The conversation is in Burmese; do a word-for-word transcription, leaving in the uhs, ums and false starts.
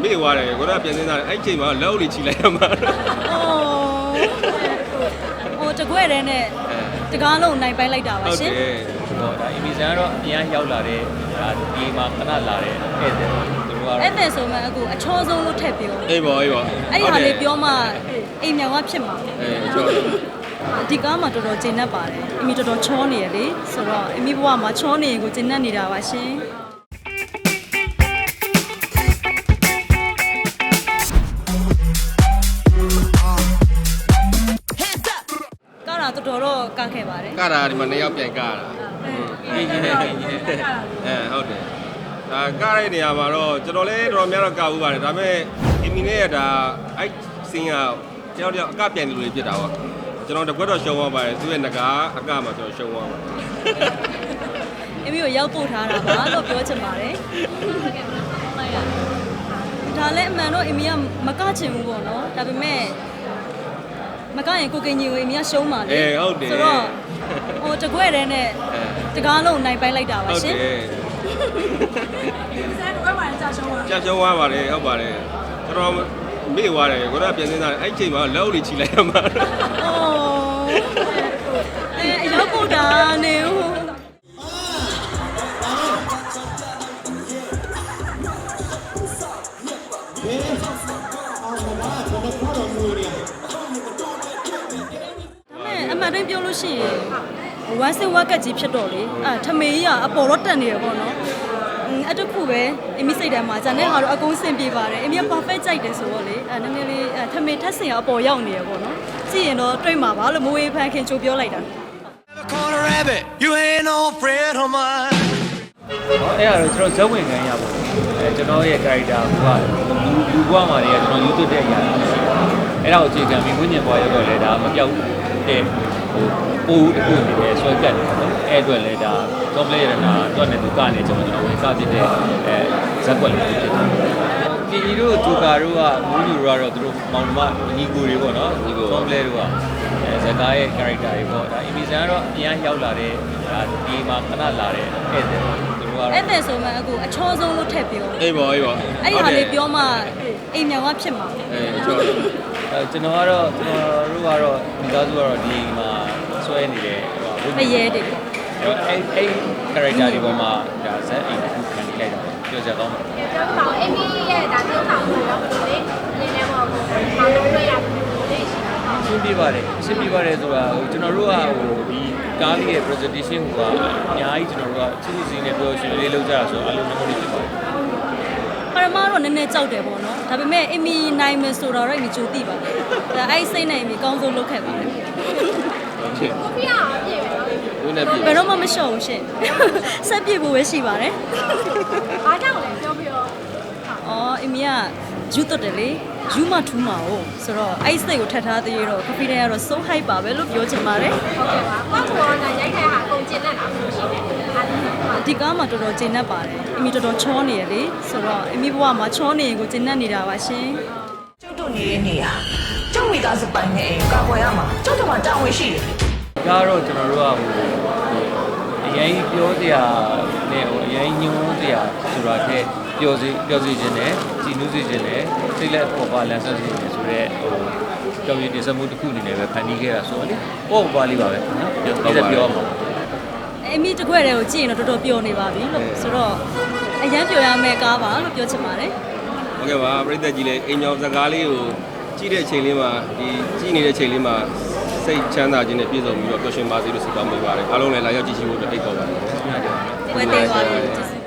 မေ့သွားတယ်ကိုတော့ပြန်စင်းသားအဲ့ချိန်မှာလက်အုပ်လေးချီလိုက်ရမှာဟိုတကွဲ့တဲ့နဲ့တကားလုံးနိုင်ပိုင်းလိုက်တာပါရှင်ဟုတ်တော့ဒါအီမီဇန်ကတော့အများရောက်လာတဲ့ဒါဒီမှာခဏလာတဲ့ဧည့်သည်သူတို့ကတော့အဲ့တဲ့ဆိုမှအခုအချောဆုံးလို့ထည့်ပြောအေးပါအေးပါအဲ့ဒီဟာလေးပြောမှအိမ်မြောင်ကဖြစ်မှာအေးချောဒီကားမှာတော်တော်ကျဉ်တ်ပါတယ်အမီတော်တော်ချောနေရလေဆိုတော့အမီဘဝမှာချောနေရင်ကိုကျဉ်တ်နေတာပါရှင်ကားတာတော်တော်တော့ကခဲ့ပါတယ်ကားတာဒီမှာနှစ်ယောက်ပြန်ကားတာအင်းကြီးနဲ့အင်းကြီးနဲ့အဲဟုတ်တယ်ဒါကားတဲ့နေရာမှာတော့ကျွန်တော်လည်းတော်တော်များတော့ကားဦးပါတယ်ဒါပေမဲ့အမီနဲ့ဒါအဲ့စင်းကတယောက်တယောက်အကပြန်နေလို့ဖြစ်တာပေါ့ကျွန်တော်တကွက်တော့ရှုံးသွားပါတယ်သူ့ရဲ့ငကားအကမှာကျွန်တော်ရှုံးသွားပါတယ်အမီကိုရောက်ပို့ထားတာပါလို့ပြောချင်ပါတယ်ဒါလည်းအမှန်တော့အမီကမကချင်ဘူးပေါ့နော်ဒါပေမဲ့မကရင်ကိုကင်ကြီးကိုအမီကရှုံးပါလေအေးဟုတ်တယ်ဆိုတော့ဟိုတကွဲ့တဲ့နဲ့တကားလုံးနိုင်ပိုင်းလိုက်တာပါရှင်ဟုတ်တယ်ဆရာတို့ကမှကြာရှုံးသွားကြာရှုံးသွားပါတယ်ဟုတ်ပါတယ်ကျွန်တော်မေ့သွားတယ်ကိုတော့ပြန်စင်းသားအဲ့ချိန်မှာလက်အုပ်လေးချီလိုက်ရမှာအဲအရောက်ပို့တာနေဦးအမှန်တိုင်းပြောလို့ရှိရင်ဝမ်းစဝက်ကကြီးဖြစ်တော့လေအဲထမေကြီးကအပေါ်တော့တက်နေရပေါ့နော်အဲ့တခုပဲအမိစိတ်ထဲမှာဂျန်နဲ့ဟာတော့အကုန်စင်ပြေပါတယ်အမိက perfect ကြိုက်တယ်ဆိုတော့လေအဲနည်းနည်းလေးထမေထက်စင်ကအပေါ်ရောက်နေရပေါ့နော်ကြည့်ရင်တော့တွေ့မှာပါလို့မဝေးဖန်ခင်ချိုးပြောလိုက်တာအဲ့ဒါတော့ကျွန်တော်ဇက်ဝင်ခံရပါဘူးအဲကျွန်တော်ရဲ့ character ကလူလူဘွားမှာနေရကျွန်တော်ယူသွတ်တဲ့အရာအဲ့ဒါကိုအခြေခံပြီးဝိညာဉ်ဘွားရောက်တော့လေဒါမပြောက်တဲ့ဟိုပိုးတစ်ခုနေတယ်ဆွဲကတ်တယ်ပေါ့အဲ့အတွက်လေဒါ complex ရတာတော့လည်းသူကနေကျွန်တော်ကျွန်တော်ဝင်စားဖြစ်တဲ့အဲဇက်ကွက်လေးဖြစ်တယ်ပြည်ကြီးတို့ဂျိုကာတို့ကမူးလူတို့ကတော့သူတို့မောင်နှမညီကိုတွေပေါ့နော်ညီကို complex တို့ကအဲဇက်ကားရဲ့ character တွေပေါ့ဒါအီမီဇန်ကတော့အများရောက်လာတဲ့ဒါဒီမှာခဏလာတဲ့ဧည့်သည်သူတို့ကတော့အဲ့တဲ့ဆိုမှအခုအချောဆုံးလို့ထည့်ပြောအေးပါအေးပါအဲ့ဒီဟာလေးပြောမှအိမ်မြောင်ကဖြစ်မှာအေးချောအဲကျွန်တော်ကတော့ကျွန်တော်တို့ကတော့မိသားစုကတော့ဒီမှာဆွဲနေတယ်ဟိုအရဲတွေပေါ့အဲ့အဲ့ character တွေပေါ်မှာဒါဇက်အိမ်တစ်ခုခံနေလိုက်တာပြောကြတော့မှာကျွန်တော်အမီရဲ့ဒါပြောဆောင်လို့တော့ဒီလေနေနေမှာကိုဘာလို့တွေ့ရလဲရှင်းပြပါတယ်ရှင်းပြပါတယ်ဆိုတာဟိုကျွန်တော်တို့ကဟိုဒီကားလေးရဲ့ presentation ကအများကြီးကျွန်တော်တို့ကချင်းချင်းနဲ့ပြောရှင်လေးလုပ်ကြတာဆိုတော့အလုံးလုံးလေးဖြစ်ပါတယ်ပရမတော့နည်းနည်းကြောက်တယ်ပေါ့နော်ဒါပေမဲ့အမီနိုင်မယ်ဆိုတော့အမီကြိုသိပါတယ်ဒါအဲ့စိတ်နဲ့အမီကောင်းဆုံးလုပ်ခဲ့ပါတယ်ကိုပြအောင်ပြည့်ပဲနော်ဘယ်နဲ့ပြည့်ဘယ်တော့မှမလျှော့ဘူးရှင်ဆက်ပြည့်ဖို့ပဲရှိပါတယ်အားကြောင့်လည်းပြောပြတော့အော်အမီကယူတ်တယ်လေယူမထူးမှာ哦ဆိုတော့အဲ့စိတ်ကိုထပ်ထားသေးရတော့ခဖီးတဲ့ကတော့ so high ပါပဲလို့ပြောချင်ပါတယ်ဟုတ်ကဲ့ပါဘာကိုရောရိုက်ခိုင်ဟာအကုန်ကျင်နေတာမျိုးရှိတယ်ဒီကားမှာတော်တော်ကျဉ်တ်ပါတယ်အမီတော်တော်ချောနေရလေဆိုတော့အမီဘဝမှာချောနေရင်ကိုကျဉ်တ်နေတာပါရှင်ကျုပ်တို့နေတဲ့နေရာကျုပ်မိသားစုပိုင်နေအိမ်ကာကွယ်ရမှာကျုပ်တို့မှာတာဝန်ရှိတယ်ဒါတော့ကျွန်တော်တို့ကဟိုအရင်ပြောစရာနဲ့ဟိုအရင်ညွှန်းစရာဆိုတာတဲ့ပြောစီပြောစီခြင်းနဲ့ကြည်နူးစီခြင်းနဲ့စိတ်လက်ပေါ်ပါလန်ဆက်စီခြင်းဆိုတော့ဟိုကြောင်ရည်တင်ဆက်မှုတစ်ခုအနေနဲ့ပဲဖန်တီးခဲ့တာဆိုတော့လေပေါ့ပါလေးပါပဲနော်ပြောပြောမှာအမီတကွက်တွေကိုကြည့်ရင်တော့တော်တော်ပျော်နေပါပြီလို့ဆိုတော့အရန်ပျော်ရမယ့်ကားပါလို့ပြောချင်ပါတယ်ဟုတ်ကဲ့ပါပြည်သက်ကြီးလည်းအိမ်ကျော်စကားလေးကိုကြည့်တဲ့အချိန်လေးမှာဒီကြည့်နေတဲ့အချိန်လေးမှာစိတ်ချမ်းသာခြင်းနဲ့ပြည့်စုံပြီးတော့ပျော်ရွှင်ပါစေလို့ဆုတောင်းပေးပါတယ်အားလုံးလည်းလာရောက်ကြည့်ရှုဖို့အတွက်အိတ်ခေါ်ပါတယ်ဝယ်သေးပါလို့